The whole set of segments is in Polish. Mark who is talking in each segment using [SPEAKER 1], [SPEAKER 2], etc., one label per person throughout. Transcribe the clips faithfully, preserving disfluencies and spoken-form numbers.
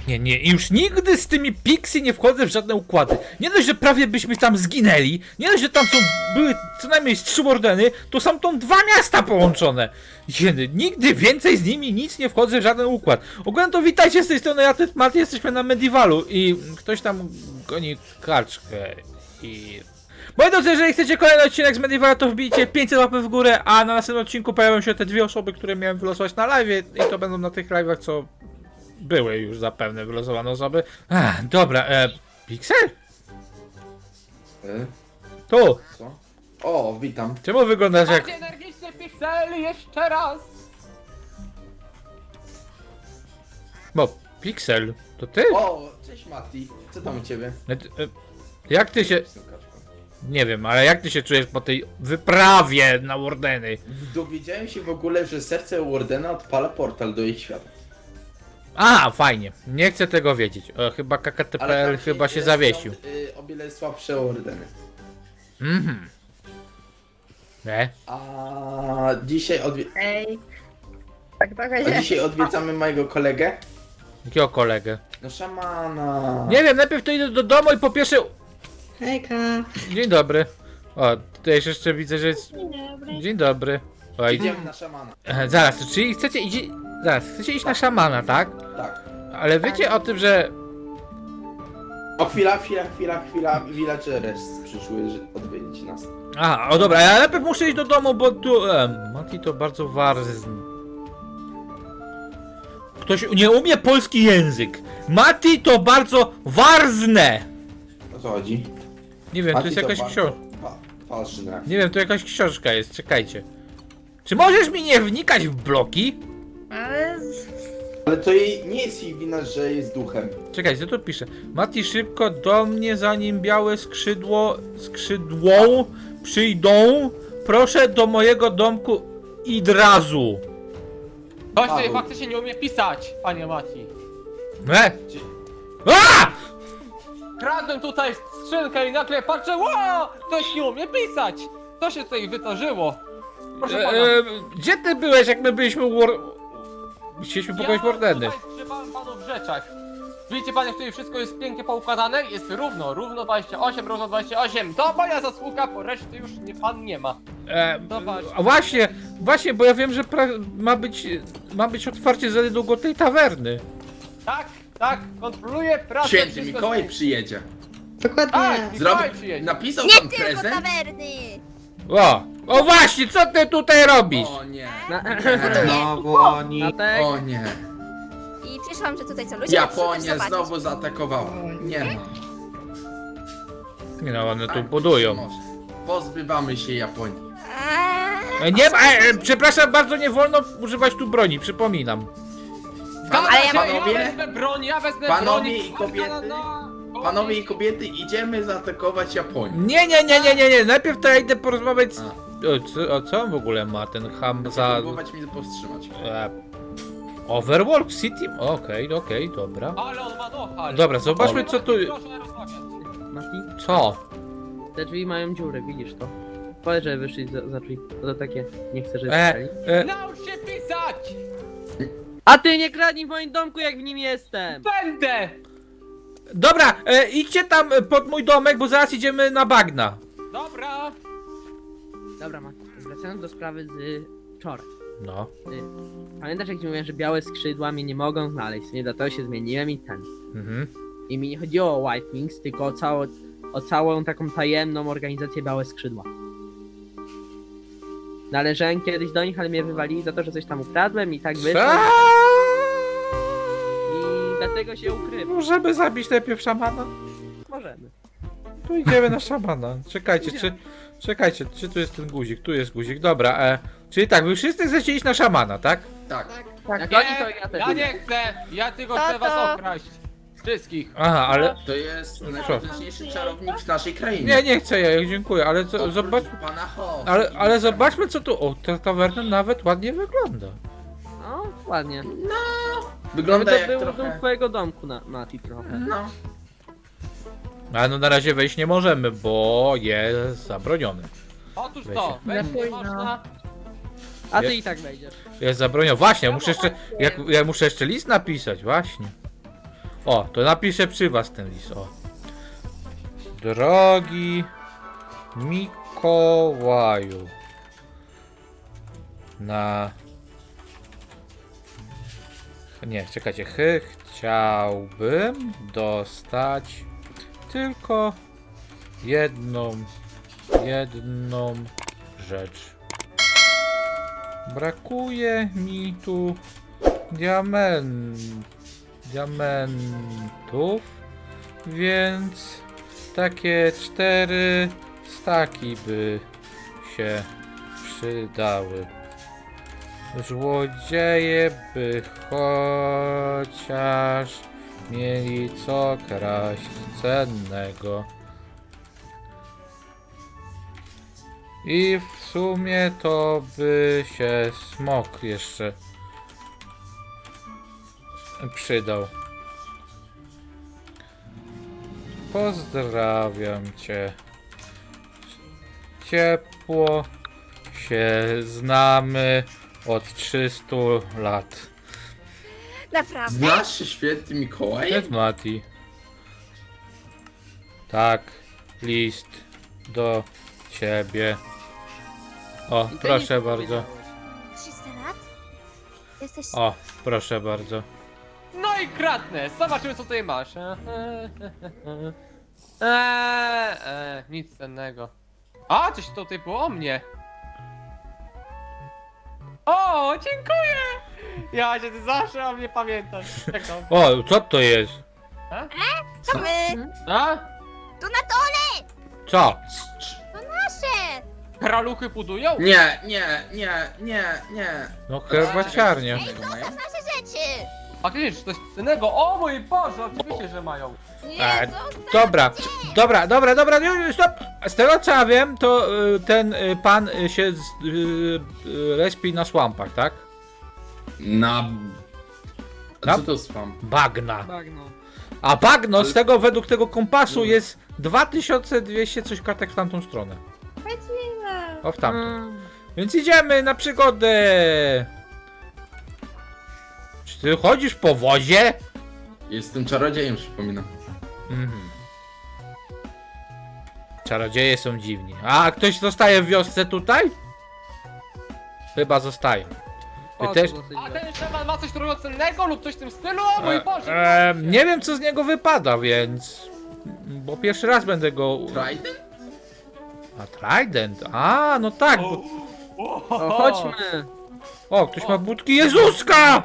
[SPEAKER 1] Nie, nie, już nigdy z tymi Pixie nie wchodzę w żadne układy. Nie dość, że prawie byśmy tam zginęli, nie dość, że tam są, były co najmniej z trzy Wardeny, to są tam dwa miasta połączone. Jedy, nigdy więcej z nimi nic nie wchodzę w żaden układ. Ogólnie to witajcie z tej strony, ja ty, Maty, jesteśmy na Medivalu i ktoś tam goni kaczkę i... Moi drodzy, jeżeli chcecie kolejny odcinek z Medivala, to wbijcie pięćset łapek w górę, a na następnym odcinku pojawią się te dwie osoby, które miałem wylosować na live i to będą na tych live'ach, co były już zapewne wylosowane osoby. Ach, dobra, e, Pixel?
[SPEAKER 2] E?
[SPEAKER 1] Tu!
[SPEAKER 2] Co? O, witam.
[SPEAKER 1] Czemu wyglądasz jak...
[SPEAKER 3] Bardziej energiczny Pixel, jeszcze raz!
[SPEAKER 1] Bo, Pixel, to ty?
[SPEAKER 2] O, cześć Mati. Co tam u ciebie?
[SPEAKER 1] E, t- e, Jak ty się...
[SPEAKER 2] Z tą kaczką.
[SPEAKER 1] Nie wiem, ale jak ty się czujesz po tej wyprawie na Wardeny?
[SPEAKER 2] Dowiedziałem się w ogóle, że serce Wardena odpala portal do ich świata.
[SPEAKER 1] A, fajnie. Nie chcę tego wiedzieć. O, chyba K K T P L
[SPEAKER 2] tam
[SPEAKER 1] chyba się
[SPEAKER 2] jest
[SPEAKER 1] zawiesił.
[SPEAKER 2] Są, y, o wiele słabsze Wardeny.
[SPEAKER 1] Mhm. Nie?
[SPEAKER 2] A dzisiaj, odwie
[SPEAKER 4] Ej. Tak trochę
[SPEAKER 2] a
[SPEAKER 4] się...
[SPEAKER 2] dzisiaj odwiedzamy mojego kolegę.
[SPEAKER 1] Jakiego kolegę?
[SPEAKER 2] No szamana.
[SPEAKER 1] Nie wiem, najpierw to idę do domu i po pierwsze...
[SPEAKER 4] Hejka.
[SPEAKER 1] Dzień dobry. O, tutaj jeszcze widzę, że jest...
[SPEAKER 4] Dzień dobry.
[SPEAKER 1] Dzień dobry. O, i...
[SPEAKER 2] Idziemy na szamana.
[SPEAKER 1] E, Zaraz, czyli chcecie idzie... Zaraz, chcecie iść na szamana, tak?
[SPEAKER 2] Tak.
[SPEAKER 1] Ale wiecie o tym, że...
[SPEAKER 2] O chwila, chwila, chwila, chwila. Villagers przyszły że odwiedzić nas.
[SPEAKER 1] Aha, o dobra, ja najpierw muszę iść do domu, bo tu... E, Mati to bardzo warzyn. Ktoś nie umie polski język. Mati to bardzo warzne.
[SPEAKER 2] O co chodzi?
[SPEAKER 1] Nie wiem, to
[SPEAKER 2] Mati
[SPEAKER 1] jest jakaś
[SPEAKER 2] bardzo
[SPEAKER 1] książka.
[SPEAKER 2] fa- Ważne.
[SPEAKER 1] Nie wiem, to jakaś książka jest, czekajcie. Czy możesz mi nie wnikać w bloki?
[SPEAKER 4] Ale...
[SPEAKER 2] Ale to jej, nie jest jej wina, że jest duchem.
[SPEAKER 1] Czekajcie, co tu pisze? Mati, szybko do mnie, zanim białe skrzydło, skrzydłą przyjdą. Proszę do mojego domku idrazu.
[SPEAKER 3] Ktoś tutaj
[SPEAKER 2] Paweł.
[SPEAKER 3] faktycznie nie umie pisać, panie Mati.
[SPEAKER 1] E?
[SPEAKER 2] Dzie-
[SPEAKER 1] A!
[SPEAKER 3] Kradłem tutaj skrzynkę i nagle patrzę, wow! Ktoś nie umie pisać! Co się tutaj wydarzyło? Proszę pana.
[SPEAKER 1] E, e, gdzie ty byłeś, jak my byliśmy u War... Chcieliśmy pokoić Wardeny.
[SPEAKER 3] Ja tutaj zgrzebałem panu w rzeczach. Widzicie panie, w której wszystko jest pięknie poukładane? Jest równo, równo dwadzieścia osiem, równo dwadzieścia osiem. To moja zasługa, bo reszty już nie, pan nie ma.
[SPEAKER 1] E,
[SPEAKER 3] Zobacz.
[SPEAKER 1] a właśnie, właśnie, bo ja wiem, że pra- ma być, ma być otwarcie za niedługo tej tawerny.
[SPEAKER 3] Tak, tak, kontroluję pracę.
[SPEAKER 2] Święty
[SPEAKER 3] wszystko
[SPEAKER 2] Mikołaj
[SPEAKER 3] jest-
[SPEAKER 2] przyjedzie.
[SPEAKER 4] Dokładnie.
[SPEAKER 3] Tak,
[SPEAKER 2] Zrobi...
[SPEAKER 3] Mikołaj przyjedzie.
[SPEAKER 2] Napisał
[SPEAKER 5] Nie
[SPEAKER 2] tam
[SPEAKER 5] tylko
[SPEAKER 2] prezent?
[SPEAKER 5] tawerny!
[SPEAKER 1] O, o właśnie, co ty tutaj robisz?
[SPEAKER 2] O nie.
[SPEAKER 6] Znowu oni.
[SPEAKER 2] O nie.
[SPEAKER 5] I przyszłam, że tutaj co ludzie
[SPEAKER 2] Japonia
[SPEAKER 5] muszą też
[SPEAKER 2] znowu zaatakowała. Nie no.
[SPEAKER 1] Nie no, one tu budują.
[SPEAKER 2] Może. Pozbywamy się Japonii.
[SPEAKER 5] zobaczyć.
[SPEAKER 1] E, Nie, e, e, przepraszam bardzo, nie wolno używać tu broni, przypominam.
[SPEAKER 3] Zgadza
[SPEAKER 5] Ale
[SPEAKER 3] się,
[SPEAKER 5] ja
[SPEAKER 2] panowie-
[SPEAKER 3] ja wezmę broń, ja wezmę
[SPEAKER 2] Panowie
[SPEAKER 3] broń.
[SPEAKER 2] i kobiety, Panowie i kobiety, idziemy zaatakować Japonię.
[SPEAKER 1] Nie, nie, nie, nie, nie, nie, najpierw to ja idę porozmawiać z...
[SPEAKER 2] A.
[SPEAKER 1] O co, o co on w ogóle ma ten ham za...
[SPEAKER 2] Próbować mnie powstrzymać.
[SPEAKER 1] E, Overworld City? Okej, okej, dobra.
[SPEAKER 3] Ale on ma nohal.
[SPEAKER 1] Dobra, zobaczmy co tu...
[SPEAKER 3] Proszę rozmawiać.
[SPEAKER 6] Mati,
[SPEAKER 1] Co?
[SPEAKER 6] te drzwi mają dziurę, widzisz to? Powiedz, że wyszli za, za drzwi. To, to takie, nie chcę, żeby
[SPEAKER 1] E,
[SPEAKER 6] pisali.
[SPEAKER 1] e,
[SPEAKER 3] Naucz się pisać!
[SPEAKER 6] A ty nie kradnij w moim domku, jak w nim jestem!
[SPEAKER 3] Będę!
[SPEAKER 1] dobra, e, idźcie tam e, pod mój domek, bo zaraz idziemy na bagna.
[SPEAKER 3] Dobra.
[SPEAKER 6] Dobra, Mati, wracając do sprawy z wczoraj.
[SPEAKER 1] No.
[SPEAKER 6] Ty, pamiętasz, jak ci mówiłem, że białe skrzydła mnie nie mogą znaleźć? Nie, dlatego się zmieniłem i ten.
[SPEAKER 1] Mhm.
[SPEAKER 6] I mi nie chodziło o White Wings, tylko o, cało, o całą taką tajemną organizację Białe Skrzydła. Należałem kiedyś do nich, ale mnie wywalili za to, że coś tam ukradłem i tak wyszło.
[SPEAKER 1] Co?
[SPEAKER 6] I dlatego się ukrywam.
[SPEAKER 1] Możemy zabić najpierw szamana?
[SPEAKER 6] Możemy.
[SPEAKER 1] Tu idziemy na szamana. Czekajcie, czy... Czekajcie, czy tu jest ten guzik? Tu jest guzik, dobra, e... Czyli tak, wy wszyscy chcecie iść na szamana, tak?
[SPEAKER 2] Tak.
[SPEAKER 6] Jak
[SPEAKER 3] Nie,
[SPEAKER 6] oni, to ja też.
[SPEAKER 3] ja nie chcę! Ja tylko
[SPEAKER 5] Tato.
[SPEAKER 3] chcę was okraść. Wszystkich.
[SPEAKER 1] Aha, ale...
[SPEAKER 2] To jest najpotężniejszy czarownik w naszej krainie.
[SPEAKER 1] Nie, nie chcę ja, dziękuję, ale co,
[SPEAKER 2] Oprócz
[SPEAKER 1] zobacz...
[SPEAKER 2] Pana Ho.
[SPEAKER 1] Ale, ale zobaczmy co tu... O, ta tawerna nawet ładnie wygląda.
[SPEAKER 6] No, ładnie.
[SPEAKER 2] Wygląda
[SPEAKER 6] to
[SPEAKER 2] jak
[SPEAKER 6] był
[SPEAKER 2] trochę...
[SPEAKER 6] do twojego domku, na, Mati, trochę.
[SPEAKER 2] No.
[SPEAKER 1] Ale no na razie wejść nie możemy, bo jest zabronione.
[SPEAKER 3] Otóż
[SPEAKER 1] Weź
[SPEAKER 3] to,
[SPEAKER 1] się.
[SPEAKER 3] wejść nie
[SPEAKER 4] Późno.
[SPEAKER 3] można.
[SPEAKER 6] A ty
[SPEAKER 1] Je-
[SPEAKER 6] i tak wejdziesz.
[SPEAKER 1] Jest zabronione. Właśnie, muszę jeszcze... Jak, ja muszę jeszcze list napisać, właśnie. O, to napiszę przy was ten list, o. Drogi Mikołaju. Na... Nie, czekajcie. Chy, chciałbym dostać tylko jedną, jedną rzecz. Brakuje mi tu diament, diamentów, więc takie cztery staki by się przydały. Złodzieje by chociaż mieli co kraść cennego. I w sumie to by się smok jeszcze przydał. Pozdrawiam cię. Ciepło się znamy od trzystu lat.
[SPEAKER 5] Naprawdę?
[SPEAKER 2] Znasz się święty Mikołaj?
[SPEAKER 1] Cześć Mati. Tak, list do ciebie. O,
[SPEAKER 6] I to
[SPEAKER 1] proszę
[SPEAKER 6] nic nie
[SPEAKER 1] bardzo.
[SPEAKER 6] powiedziałeś.
[SPEAKER 5] trzysta lat? Jesteś...
[SPEAKER 1] O, proszę bardzo.
[SPEAKER 3] No i kradnę, zobaczymy co tutaj masz. Eee, eee, nic cennego. A, coś tutaj było o mnie. O, dziękuję! Ja się ty zawsze o mnie pamiętasz. Jak to?
[SPEAKER 1] O, co to jest?
[SPEAKER 5] To my!
[SPEAKER 3] A?
[SPEAKER 5] Tu na dole!
[SPEAKER 1] Co?
[SPEAKER 5] To nasze!
[SPEAKER 3] Kraluchy budują?
[SPEAKER 2] Nie, nie, nie, nie, nie.
[SPEAKER 1] No herbaciarnia.
[SPEAKER 2] Mają?
[SPEAKER 5] Nasze rzeczy!
[SPEAKER 3] Faktycznie, coś cennego. O mój Boże, oczywiście, że mają.
[SPEAKER 1] E,
[SPEAKER 5] Nie, zostaw
[SPEAKER 1] Dobra,
[SPEAKER 5] cię!
[SPEAKER 1] dobra, dobra, dobra, nie, nie, stop! Z tego co ja wiem, to y, ten y, pan y, się z, y, y, respi na słampach, tak?
[SPEAKER 2] Na... A
[SPEAKER 1] Na-
[SPEAKER 2] co to spam?
[SPEAKER 1] Bagna.
[SPEAKER 6] Bagno.
[SPEAKER 1] A bagno z
[SPEAKER 2] Ale-
[SPEAKER 1] tego według tego kompasu
[SPEAKER 2] No.
[SPEAKER 1] jest dwa tysiące dwieście coś kartek w tamtą stronę.
[SPEAKER 4] Lecimy.
[SPEAKER 1] O, w tamtą.
[SPEAKER 6] Mm.
[SPEAKER 1] Więc idziemy na przygodę! Czy ty chodzisz po wozie?
[SPEAKER 2] Jestem czarodziejem, przypominam.
[SPEAKER 1] Mhm. Czarodzieje są dziwni. A ktoś zostaje w wiosce tutaj? Chyba zostaje. Ty
[SPEAKER 6] O,
[SPEAKER 1] też?
[SPEAKER 6] to dosyć
[SPEAKER 3] A
[SPEAKER 6] źle.
[SPEAKER 3] ten Szeman ma coś drogocennego lub coś w tym stylu? O mój
[SPEAKER 1] E,
[SPEAKER 3] Boże!
[SPEAKER 1] e, nie wiem co z niego wypada, więc... Bo pierwszy raz będę go...
[SPEAKER 2] Trident?
[SPEAKER 1] A Trident? A, no tak. Bo...
[SPEAKER 6] O, chodźmy.
[SPEAKER 1] O, ktoś ma budki Jezuska!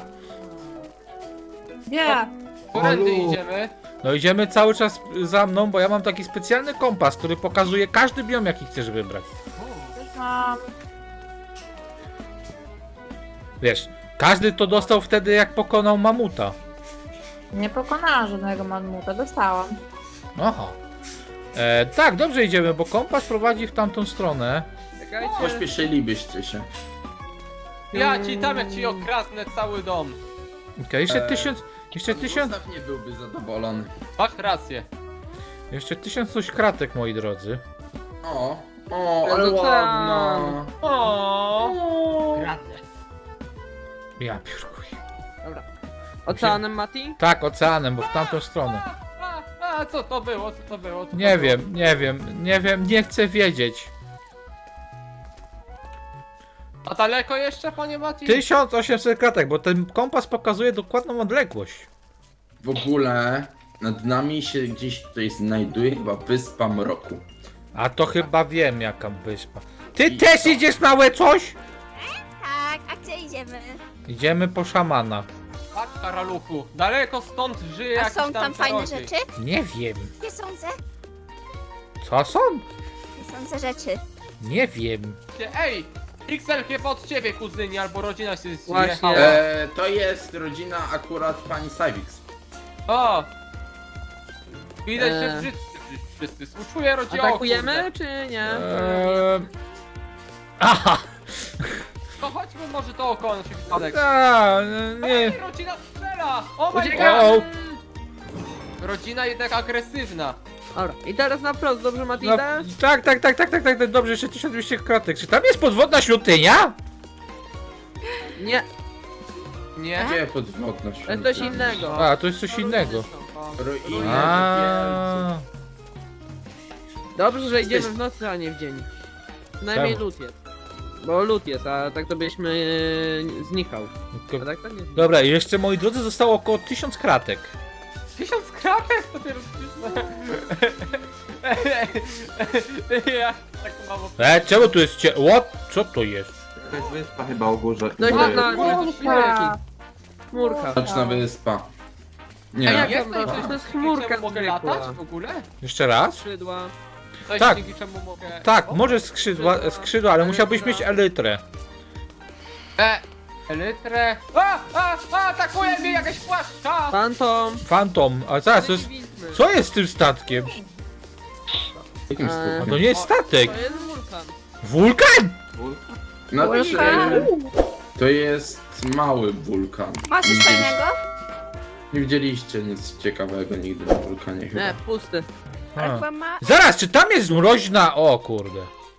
[SPEAKER 4] Nie.
[SPEAKER 3] Którędy
[SPEAKER 2] Olu.
[SPEAKER 3] idziemy?
[SPEAKER 1] No idziemy cały czas za mną, bo ja mam taki specjalny kompas, który pokazuje każdy biom, jaki chcesz wybrać.
[SPEAKER 4] Już mam.
[SPEAKER 1] Wiesz, każdy to dostał wtedy, jak pokonał mamuta.
[SPEAKER 4] Nie pokonałam żadnego mamuta, dostałam.
[SPEAKER 1] Aha. E, tak, dobrze idziemy, bo kompas prowadzi w tamtą stronę.
[SPEAKER 6] Czekajcie.
[SPEAKER 2] Pośpieszylibyście się.
[SPEAKER 3] Ja ci tam jak ci okradnę cały dom.
[SPEAKER 1] Okej, jeszcze
[SPEAKER 2] Eee,
[SPEAKER 1] tysiąc... Jeszcze
[SPEAKER 2] Pan
[SPEAKER 1] tysiąc...
[SPEAKER 2] Gustaw nie byłby zadowolony.
[SPEAKER 3] Masz rację.
[SPEAKER 1] Jeszcze tysiąc coś kratek, moi drodzy.
[SPEAKER 2] O, o, ale
[SPEAKER 6] Ten
[SPEAKER 2] ładna.
[SPEAKER 3] O.
[SPEAKER 6] Kradnę.
[SPEAKER 1] Ja piórkuj.
[SPEAKER 6] Dobra. Oceanem, Mati?
[SPEAKER 1] Tak, oceanem, bo w tamtą stronę.
[SPEAKER 3] A, a co to było? Co to było? Co to
[SPEAKER 1] Nie
[SPEAKER 3] było?
[SPEAKER 1] wiem, nie wiem, nie wiem, nie chcę wiedzieć.
[SPEAKER 3] A daleko jeszcze, panie Mati?
[SPEAKER 1] tysiąc osiemset kratek, bo ten kompas pokazuje dokładną odległość.
[SPEAKER 2] W ogóle nad nami się gdzieś tutaj znajduje chyba Wyspa Mroku.
[SPEAKER 1] A to chyba wiem, jaka wyspa. Ty
[SPEAKER 2] I
[SPEAKER 1] też
[SPEAKER 2] co?
[SPEAKER 1] idziesz, małe coś?
[SPEAKER 5] Tak, a gdzie idziemy?
[SPEAKER 1] Idziemy po szamana.
[SPEAKER 3] Tak, karaluchu. Daleko stąd żyje
[SPEAKER 5] A
[SPEAKER 3] jakiś
[SPEAKER 5] są tam fajne
[SPEAKER 3] czarodziej.
[SPEAKER 5] rzeczy?
[SPEAKER 1] Nie wiem.
[SPEAKER 5] Nie sądzę.
[SPEAKER 1] Co są?
[SPEAKER 5] Nie sądzę rzeczy.
[SPEAKER 1] Nie wiem.
[SPEAKER 3] Ej! Pixel chyba od ciebie, kuzynie, albo rodzina się
[SPEAKER 6] Właśnie.
[SPEAKER 3] zjechała.
[SPEAKER 2] E, to jest rodzina akurat pani Savix.
[SPEAKER 3] O! Widać, że
[SPEAKER 6] Eee.
[SPEAKER 3] wszyscy, wszyscy współczuję rodzinie.
[SPEAKER 6] Atakujemy, czy nie?
[SPEAKER 1] Eee... Aha!
[SPEAKER 3] To chodźmy może to oko na przypadek.
[SPEAKER 1] A, nie.
[SPEAKER 3] Ej, rodzina strzela! O my
[SPEAKER 6] Uciekamy!
[SPEAKER 3] god! Rodzina jednak agresywna.
[SPEAKER 6] Dobra, i teraz na wprost, dobrze, Mati,
[SPEAKER 1] No,
[SPEAKER 6] idę?
[SPEAKER 1] tak, tak, tak, tak, tak, tak, tak, dobrze, jeszcze tysiąc dwieście kratek. Czy tam jest podwodna świątynia?
[SPEAKER 6] Nie,
[SPEAKER 3] Nie?
[SPEAKER 2] Gdzie podwodność?
[SPEAKER 6] to jest coś innego.
[SPEAKER 1] A, to jest coś innego.
[SPEAKER 6] O,
[SPEAKER 2] Ruiny
[SPEAKER 1] A.
[SPEAKER 6] Dobrze, że idziemy
[SPEAKER 2] Jesteś-
[SPEAKER 6] w nocy, a nie w dzień. Przynajmniej
[SPEAKER 1] Czemu?
[SPEAKER 6] lód jest. Bo lód jest, a tak to byśmy e, znikał. A tak to nie znikał.
[SPEAKER 1] Dobra, i jeszcze moi drodzy zostało około tysiąc kratek.
[SPEAKER 3] Tysiąc kratek? To dopiero Ja tak mało...
[SPEAKER 1] E, czemu tu jest cie... What? Co to jest?
[SPEAKER 7] Jakaś wyspa chyba o górze.
[SPEAKER 6] No i
[SPEAKER 7] Góry.
[SPEAKER 6] na
[SPEAKER 4] Chmurka.
[SPEAKER 6] chmurka.
[SPEAKER 2] Nocna wyspa.
[SPEAKER 6] A
[SPEAKER 2] Nie.
[SPEAKER 6] jak
[SPEAKER 3] Jest
[SPEAKER 6] to
[SPEAKER 3] coś,
[SPEAKER 6] to jest
[SPEAKER 3] dzięki
[SPEAKER 6] chmurka
[SPEAKER 3] czemu mogę
[SPEAKER 6] zwykła.
[SPEAKER 3] latać w ogóle?
[SPEAKER 1] Jeszcze raz?
[SPEAKER 6] Skrzydła.
[SPEAKER 3] Coś,
[SPEAKER 1] Tak.
[SPEAKER 3] dzięki czemu mogę...
[SPEAKER 1] Tak,
[SPEAKER 3] O,
[SPEAKER 1] może skrzydła, skrzydła, ale musiałbyś mieć elytrę.
[SPEAKER 3] E, elytrę... A, a, a, atakuje mnie jakaś płaszcza!
[SPEAKER 6] Fantom.
[SPEAKER 1] Fantom, a zaraz, to jest... Co jest z tym statkiem?
[SPEAKER 2] Jakim
[SPEAKER 6] Eee.
[SPEAKER 1] A
[SPEAKER 2] skutkiem?
[SPEAKER 1] to nie jest statek!
[SPEAKER 6] To jest wulkan.
[SPEAKER 1] Wulkan!
[SPEAKER 2] No to,
[SPEAKER 4] Wulkan.
[SPEAKER 2] to jest mały wulkan.
[SPEAKER 5] Masz
[SPEAKER 2] Nie
[SPEAKER 5] coś
[SPEAKER 2] widzieliście-
[SPEAKER 5] fajnego?
[SPEAKER 2] Nie widzieliście nic ciekawego nigdy na wulkanie chyba.
[SPEAKER 6] Nie, pusty.
[SPEAKER 1] A.
[SPEAKER 5] Chyba ma...
[SPEAKER 1] Zaraz, czy tam jest mroźna... O kurde.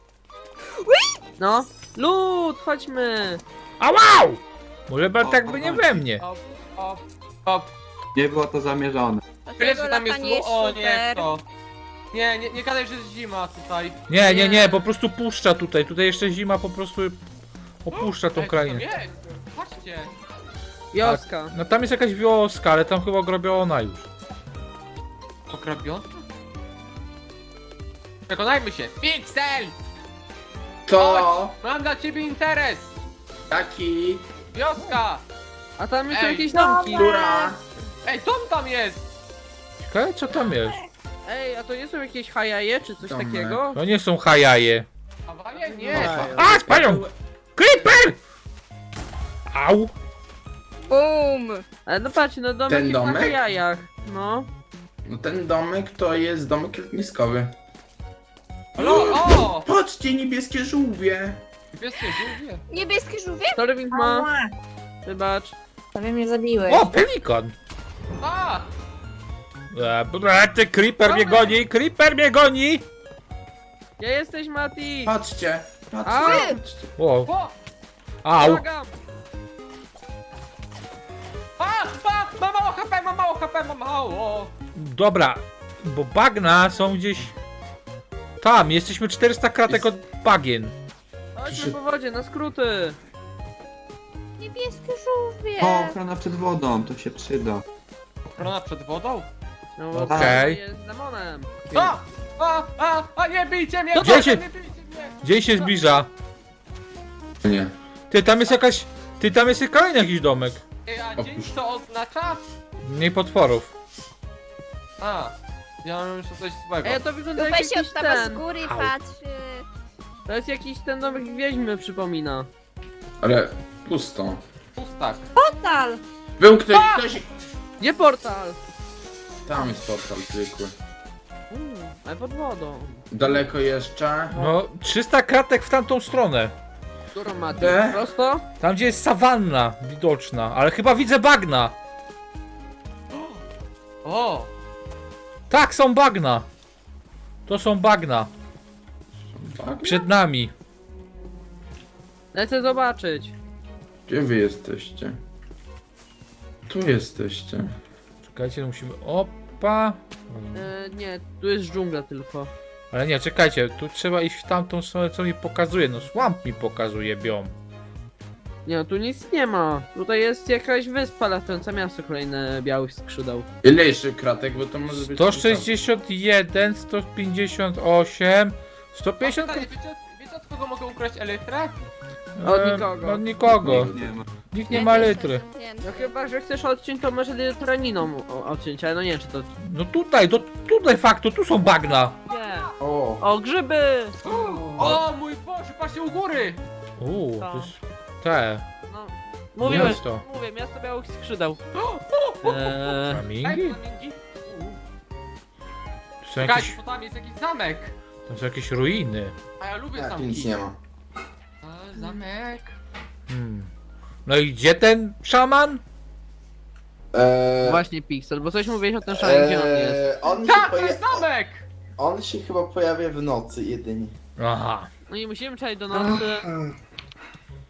[SPEAKER 6] No. Lód, chodźmy.
[SPEAKER 1] A wow! Może tak by nie we mnie.
[SPEAKER 3] Op, op, op.
[SPEAKER 7] Nie było to zamierzone.
[SPEAKER 3] Tyle,
[SPEAKER 5] Dlatego
[SPEAKER 3] że tam jest...
[SPEAKER 5] latanie
[SPEAKER 3] lu- O nie,
[SPEAKER 5] super.
[SPEAKER 3] to... Nie, nie, nie gadaj, że jest zima tutaj.
[SPEAKER 1] Nie, nie, nie, po prostu puszcza tutaj. Tutaj jeszcze zima po prostu opuszcza tą
[SPEAKER 3] Ej, co tam
[SPEAKER 1] krainę.
[SPEAKER 3] jest? Patrzcie.
[SPEAKER 6] Wioska.
[SPEAKER 1] No tam jest jakaś wioska, ale tam chyba ogrobiona już.
[SPEAKER 3] Pokrabiona? Przekonajmy się. Pixel!
[SPEAKER 2] To
[SPEAKER 3] Mam dla ciebie interes!
[SPEAKER 2] taki...
[SPEAKER 3] Wioska!
[SPEAKER 6] A tam jest
[SPEAKER 3] Ej.
[SPEAKER 6] jakieś domki.
[SPEAKER 2] Która...
[SPEAKER 3] Ej, dom tam jest!
[SPEAKER 1] Ciekawe co tam jest.
[SPEAKER 6] Ej, a to nie są jakieś hajaje czy coś
[SPEAKER 2] Domek.
[SPEAKER 6] takiego?
[SPEAKER 1] To nie są hajaje.
[SPEAKER 3] Awarie? Nie!
[SPEAKER 1] A, spanią! Creeper! Au!
[SPEAKER 4] Bum!
[SPEAKER 6] Ale no patrz, no domek
[SPEAKER 2] Ten
[SPEAKER 6] jest na
[SPEAKER 2] domek?
[SPEAKER 6] hajajach. No.
[SPEAKER 2] No ten domek to jest domek letniskowy.
[SPEAKER 3] Halo, o!
[SPEAKER 2] Patrzcie, niebieskie żółwie!
[SPEAKER 3] Niebieskie żółwie.
[SPEAKER 5] Niebieskie żółwie?
[SPEAKER 6] Torwing ma.
[SPEAKER 4] Ała!
[SPEAKER 6] Wybacz.
[SPEAKER 4] Prawie mnie zabiłeś.
[SPEAKER 1] O, pelikan!
[SPEAKER 3] A!
[SPEAKER 1] E, bra, ty creeper mnie goni, creeper mnie goni!
[SPEAKER 6] Gdzie jesteś, Mati?
[SPEAKER 2] Patrzcie!
[SPEAKER 6] A!
[SPEAKER 2] Patrzcie! patrzcie.
[SPEAKER 1] O,
[SPEAKER 3] O!
[SPEAKER 1] au!
[SPEAKER 6] Błagam.
[SPEAKER 3] A! A! Mam mało H P, mam mało H P, mam mało!
[SPEAKER 1] Dobra, bo bagna są gdzieś... Tam, jesteśmy czterysta kratek od bagien.
[SPEAKER 6] Chodźmy po wodzie, na skróty.
[SPEAKER 5] Niebieskie żółwie.
[SPEAKER 7] O, ochrona przed wodą, to się przyda.
[SPEAKER 3] Ochrona przed wodą?
[SPEAKER 6] No bo
[SPEAKER 1] Okej.
[SPEAKER 6] to jest demonem.
[SPEAKER 3] A! A! A! A! Nie bijcie mnie!
[SPEAKER 1] Gdzie
[SPEAKER 3] proszę,
[SPEAKER 1] się-
[SPEAKER 3] Nie bijcie mnie!
[SPEAKER 1] Dzień się zbliża.
[SPEAKER 2] Nie.
[SPEAKER 1] Ty, tam jest jakaś... Ty, tam jest kolejny jakiś domek.
[SPEAKER 3] Ej, a dzień
[SPEAKER 2] Opuść.
[SPEAKER 3] co oznacza?
[SPEAKER 1] Mniej potworów.
[SPEAKER 3] A! Ja mam jeszcze coś złego.
[SPEAKER 6] Ej, to wygląda jak
[SPEAKER 5] Dupę się
[SPEAKER 6] jakiś
[SPEAKER 5] odstawia z
[SPEAKER 6] ten.
[SPEAKER 5] góry i
[SPEAKER 1] Au.
[SPEAKER 5] patrzy.
[SPEAKER 6] To jest jakiś ten domek wieźmy, przypomina.
[SPEAKER 2] Ale pusto.
[SPEAKER 3] Pustak.
[SPEAKER 4] Portal!
[SPEAKER 2] Był ktoś, ktoś...
[SPEAKER 6] Gdzie portal?
[SPEAKER 2] Tam jest portal zwykły.
[SPEAKER 6] Uuu, ale pod wodą.
[SPEAKER 2] Daleko jeszcze.
[SPEAKER 1] No, trzysta kratek w tamtą stronę.
[SPEAKER 6] Którą Mati?
[SPEAKER 2] De?
[SPEAKER 6] Prosto?
[SPEAKER 1] Tam, gdzie jest sawanna widoczna, ale chyba widzę bagna.
[SPEAKER 3] O!
[SPEAKER 1] Tak, są bagna. To są bagna.
[SPEAKER 2] Tak?
[SPEAKER 1] Przed nami.
[SPEAKER 6] Lecę zobaczyć.
[SPEAKER 2] Gdzie wy jesteście? Tu jesteście.
[SPEAKER 1] Czekajcie, musimy... Opa.
[SPEAKER 6] E, nie, tu jest dżungla tylko.
[SPEAKER 1] Ale nie, czekajcie, tu trzeba iść w tamtą stronę, co mi pokazuje. No, swamp mi pokazuje biom.
[SPEAKER 6] Nie, no tu nic nie ma. Tutaj jest jakaś wyspa latająca, miasto kolejne białych skrzydeł.
[SPEAKER 2] Ile jeszcze kratek, bo to może być...
[SPEAKER 1] sto sześćdziesiąt jeden, sto pięćdziesiąt osiem, sto pięćdziesiąt...
[SPEAKER 3] A pytanie, wiecie, od- wiecie od kogo mogę ukraść elytrę?
[SPEAKER 6] Od
[SPEAKER 1] Em,
[SPEAKER 6] nikogo.
[SPEAKER 1] Od nikogo.
[SPEAKER 7] Nie ma.
[SPEAKER 1] Nikt nie ma litry.
[SPEAKER 6] No chyba, że chcesz odciąć, to może traniną odciąć, ale no nie wiem, czy to...
[SPEAKER 1] No tutaj, do, tutaj faktu, tu są bagna.
[SPEAKER 6] Nie.
[SPEAKER 2] O!
[SPEAKER 6] O, grzyby!
[SPEAKER 3] O mój Boże, patrzcie u góry!
[SPEAKER 1] Uuu,
[SPEAKER 6] Co?
[SPEAKER 1] to jest... Te...
[SPEAKER 6] No, mówiłem,
[SPEAKER 1] Miasto.
[SPEAKER 6] mówię, miasto białych skrzydeł. Eee,
[SPEAKER 1] Flamingi?
[SPEAKER 3] Ej, flamingi?
[SPEAKER 1] Tu są
[SPEAKER 3] Czekajcie,
[SPEAKER 1] jakieś...
[SPEAKER 3] bo tam jest jakiś zamek.
[SPEAKER 1] Tam są jakieś ruiny.
[SPEAKER 3] A ja lubię
[SPEAKER 2] Tak,
[SPEAKER 3] zamki.
[SPEAKER 2] nic nie ma.
[SPEAKER 3] A, zamek.
[SPEAKER 1] Hmm. No i gdzie ten szaman?
[SPEAKER 2] Eee,
[SPEAKER 6] właśnie Pixel, bo coś mówiłeś o tym szale, gdzie on jest.
[SPEAKER 2] eee, on, się
[SPEAKER 3] Tak, to
[SPEAKER 2] poja-
[SPEAKER 3] jest zamek!
[SPEAKER 2] on się chyba pojawia w nocy jedynie.
[SPEAKER 1] Aha.
[SPEAKER 6] No i musimy czekać do nocy.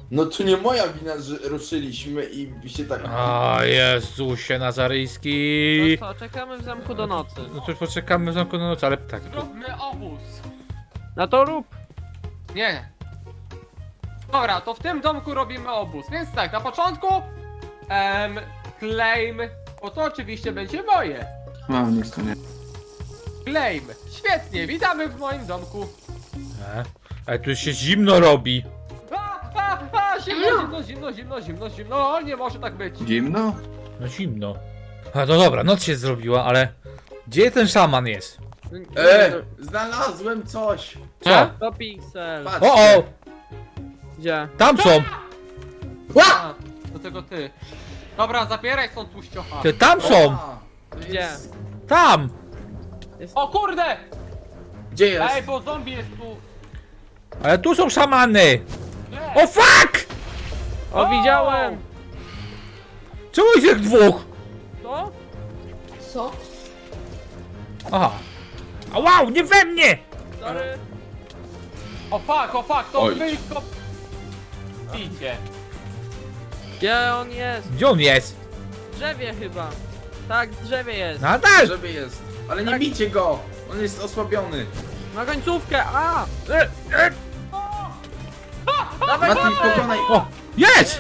[SPEAKER 2] No to nie moja wina, że ruszyliśmy i się tak...
[SPEAKER 1] O Jezusie Nazaryjski.
[SPEAKER 6] No co, czekamy w zamku do nocy.
[SPEAKER 1] No to już poczekamy w zamku na noc, ale tak. To...
[SPEAKER 3] Zróbmy obóz.
[SPEAKER 6] No to rób.
[SPEAKER 3] Nie. Dobra, to w tym domku robimy obóz. Więc tak, na początku em, claim, bo to oczywiście będzie moje.
[SPEAKER 7] No, nic to nie.
[SPEAKER 3] Claim. Świetnie, witamy w moim domku.
[SPEAKER 1] E? Ale tu się zimno robi.
[SPEAKER 3] A, a, a, zimno, zimno, zimno, zimno, zimno, zimno. O, nie może tak być.
[SPEAKER 7] Zimno?
[SPEAKER 1] No zimno. A no dobra, noc się zrobiła, ale... Gdzie ten szaman jest?
[SPEAKER 2] E, znalazłem coś!
[SPEAKER 1] Co?
[SPEAKER 6] To piksel.
[SPEAKER 2] Patrzcie.
[SPEAKER 1] O, o!
[SPEAKER 6] Gdzie?
[SPEAKER 1] Tam są!
[SPEAKER 3] A, do tego ty. Dobra, zapieraj stąd tłuściocha.
[SPEAKER 1] Te tam są!
[SPEAKER 2] A, to
[SPEAKER 6] Gdzie?
[SPEAKER 2] jest-
[SPEAKER 1] Tam!
[SPEAKER 3] O kurde!
[SPEAKER 2] Gdzie jest?
[SPEAKER 3] Ej, bo zombie jest tu.
[SPEAKER 1] Ale tu są szamany!
[SPEAKER 3] Nie.
[SPEAKER 1] O fuck!
[SPEAKER 6] O, widziałem!
[SPEAKER 1] Czemu jest ich dwóch?
[SPEAKER 6] To?
[SPEAKER 4] Co?
[SPEAKER 1] Aha. A wow, nie we mnie!
[SPEAKER 6] Sorry.
[SPEAKER 3] O fuck, o fuck, to
[SPEAKER 2] Oj.
[SPEAKER 3] wy go... Idzie.
[SPEAKER 6] Gdzie on jest?
[SPEAKER 1] Gdzie on jest?
[SPEAKER 6] W drzewie chyba. Tak, w drzewie jest.
[SPEAKER 1] Nadal!
[SPEAKER 2] Żeby jest. Ale nie
[SPEAKER 6] Tak.
[SPEAKER 2] bijcie go! On jest osłabiony.
[SPEAKER 6] Na końcówkę, a!
[SPEAKER 1] E, e,
[SPEAKER 6] Dawaj,
[SPEAKER 2] Mati,
[SPEAKER 6] dawaj!
[SPEAKER 2] pokonaj.
[SPEAKER 1] o! Jest!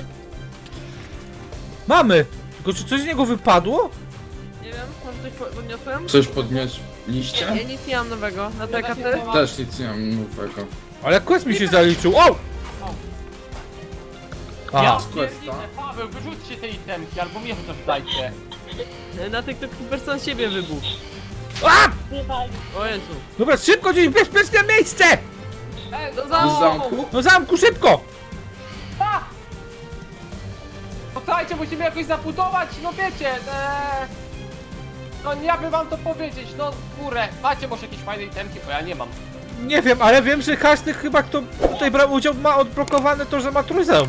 [SPEAKER 1] Mamy! Tylko czy coś z niego wypadło?
[SPEAKER 6] Nie wiem, może coś po- podniosłem?
[SPEAKER 2] Coś podnieśliście?
[SPEAKER 6] Ja nic nie mam nowego. Na te
[SPEAKER 3] Ja się
[SPEAKER 6] karty?
[SPEAKER 3] nie mam.
[SPEAKER 2] Też nic nie mam nowego.
[SPEAKER 1] Ale quest mi się zaliczył. O! Aha.
[SPEAKER 3] Ja
[SPEAKER 2] Questa.
[SPEAKER 3] pierdzielę, Paweł, wyrzućcie te itemki, albo mnie chociaż dajcie.
[SPEAKER 6] Na tych to Creeper sam siebie wybuchł.
[SPEAKER 1] A!
[SPEAKER 6] O Jezu.
[SPEAKER 1] Dobra, szybko gdzieś w bezpieczne miejsce!
[SPEAKER 3] Ej,
[SPEAKER 6] Do
[SPEAKER 2] Z
[SPEAKER 6] zamku!
[SPEAKER 2] zamku?
[SPEAKER 1] No zamku, szybko!
[SPEAKER 3] Posłuchajcie, musimy jakoś zabudować, no wiecie, eee... No nie jakby wam to powiedzieć, no kurę, macie może jakieś fajne itemki, bo ja nie mam.
[SPEAKER 1] Nie wiem, ale wiem, że każdy chyba, kto tutaj brał udział, ma odblokowane to, że ma trójzeum.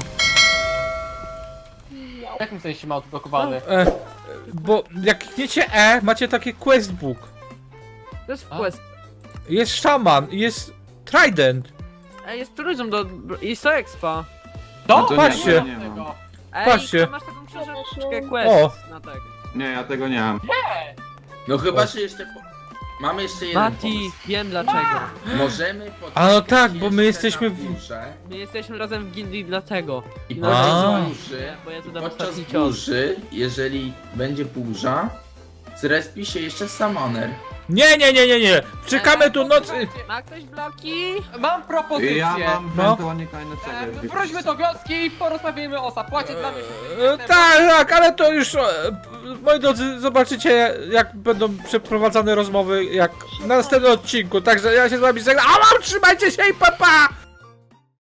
[SPEAKER 3] W jakim sensie ma odblokowany?
[SPEAKER 1] E, bo jak klikniecie E, macie takie questbook.
[SPEAKER 6] To jest
[SPEAKER 3] A?
[SPEAKER 6] quest.
[SPEAKER 1] Jest szaman, jest trident.
[SPEAKER 6] Ej, jest turyzm do... jest to expa.
[SPEAKER 3] To?
[SPEAKER 7] to
[SPEAKER 1] patrzcie.
[SPEAKER 7] Nie, nie mam.
[SPEAKER 3] Tego.
[SPEAKER 6] Ej,
[SPEAKER 1] Patrzcie.
[SPEAKER 6] to masz taką książeczkę quest
[SPEAKER 1] O.
[SPEAKER 6] na tego.
[SPEAKER 7] Nie, ja tego nie mam.
[SPEAKER 2] No chyba, że jeszcze... Po... Mamy jeszcze jeden
[SPEAKER 6] Mati,
[SPEAKER 2] pomysł.
[SPEAKER 6] wiem dlaczego.
[SPEAKER 2] Możemy poczekać
[SPEAKER 1] A no tak, bo my
[SPEAKER 2] jeszcze
[SPEAKER 1] jesteśmy
[SPEAKER 2] na
[SPEAKER 1] w-
[SPEAKER 2] burzę
[SPEAKER 6] My jesteśmy razem w gildii dlatego.
[SPEAKER 2] i
[SPEAKER 6] No,
[SPEAKER 2] podczas
[SPEAKER 1] A.
[SPEAKER 2] burzy,
[SPEAKER 6] bo ja
[SPEAKER 2] i
[SPEAKER 6] zadam
[SPEAKER 2] podczas
[SPEAKER 6] ostatni cios.
[SPEAKER 2] burzy, jeżeli będzie burza, zrespi się jeszcze summoner.
[SPEAKER 1] Nie, nie, nie, nie, nie. Czekamy tu noc.
[SPEAKER 6] Ma ktoś bloki?
[SPEAKER 3] Mam propozycję.
[SPEAKER 7] Ja mam
[SPEAKER 1] No.
[SPEAKER 7] ewentualnie kolejne
[SPEAKER 3] Eee,
[SPEAKER 7] cegły.
[SPEAKER 3] wróćmy do wioski i porozmawiajmy o zapłacie dla mnie.
[SPEAKER 1] E, tak, tak, ale to już. E, moi drodzy, zobaczycie, jak będą przeprowadzane rozmowy, jak na następnym odcinku. Także ja się z wami żegnam. A mam, trzymajcie się i pa pa!